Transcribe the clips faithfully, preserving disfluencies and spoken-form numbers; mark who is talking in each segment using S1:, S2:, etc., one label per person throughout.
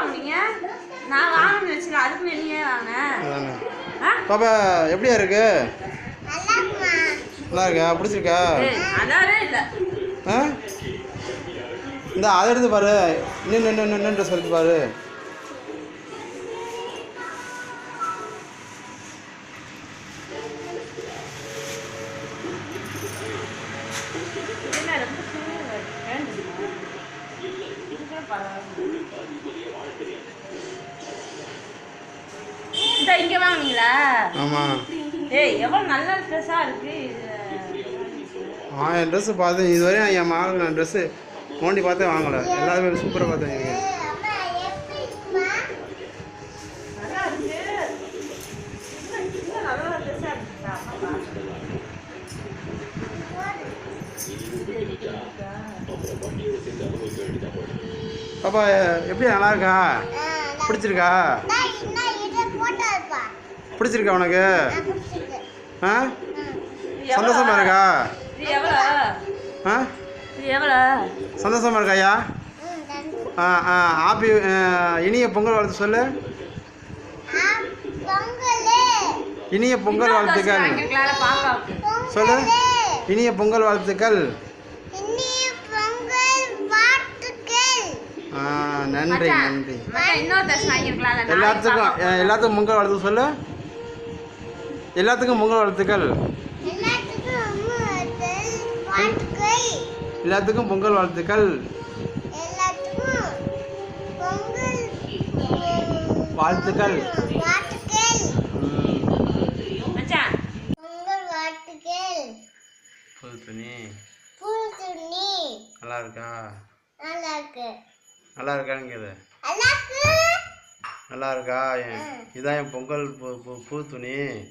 S1: வாங்குனீங்க? நான் வாங்கணும்னு வச்சுல அதுக்கு நீயே வாங்க.
S2: பாப்பா எப்படியா இருக்கு?
S3: நல்லா இருக்குமா?
S2: நல்லா இருக்கா? பிடிச்சிருக்கா?
S1: நல்லாவே இல்லை.
S2: ஆ இந்த அதை எடுத்து பாரு. நின்று நின்று நின்று ட்ரெஸ் எடுத்து பாரு.
S1: இங்க வாங்குனீங்களா?
S2: ஆமா.
S1: ஏய் எவ்வளவு நல்ல ட்ரெஸ்ஸா இருக்கு.
S2: ஆ என் ட்ரெஸ் பார்த்தேன் இதுவரையும் என் மகளுக்கு நான் ட்ரெஸ்ஸு நோண்டி பார்த்தே வாங்கலை. எல்லாருமே சூப்பராக பார்த்தேன். பாப்பா எப்படி நல்லா இருக்கா? பிடிச்சிருக்கா? பிடிச்சிருக்கா உனக்கு? ஆ சந்தோஷமா இருக்கா? ஆ சந்தோஷமா இருக்காயா? ஆ ஆ ஹாப்பி இனிய பொங்கல் வாழ்த்து சொல்லு. இனிய பொங்கல் வாழ்த்துக்கள் சொல்லு. இனிய பொங்கல் வாழ்த்துக்கள். ஆ நன்றி நன்றி. எல்லாத்துக்கும் எல்லாத்துக்கும் பொங்கல் வாழ்த்து சொல்லு. எல்லாத்துக்கும் பொங்கல் வாழ்த்துக்கள். எல்லாத்துக்கும் பொங்கல் வாழ்த்துக்கள். வாழ்த்துக்கள். புது துணி நல்லா இருக்கா?
S3: நல்லா இருக்கு.
S2: நல்லா இருக்கான்னு கேளு. நல்லா இருக்கா? இதான் என் பொங்கல் புது துணி.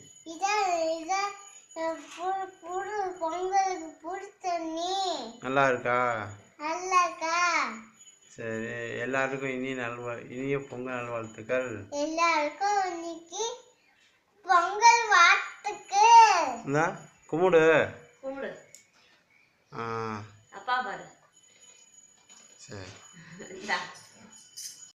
S2: நல்லா இருக்கா? சரி எல்லாருக்கும் இனிய நல்வா இனிய பொங்கல் நல்வாழ்த்துக்கள்.
S3: எல்லாருக்கும் இன்னைக்கு பொங்கல் வாழ்த்துக்கள்.
S2: இந்த கும்பிடு.
S1: கும்பிடு.
S2: ஆ
S1: அப்பா பாரு.
S2: சரி.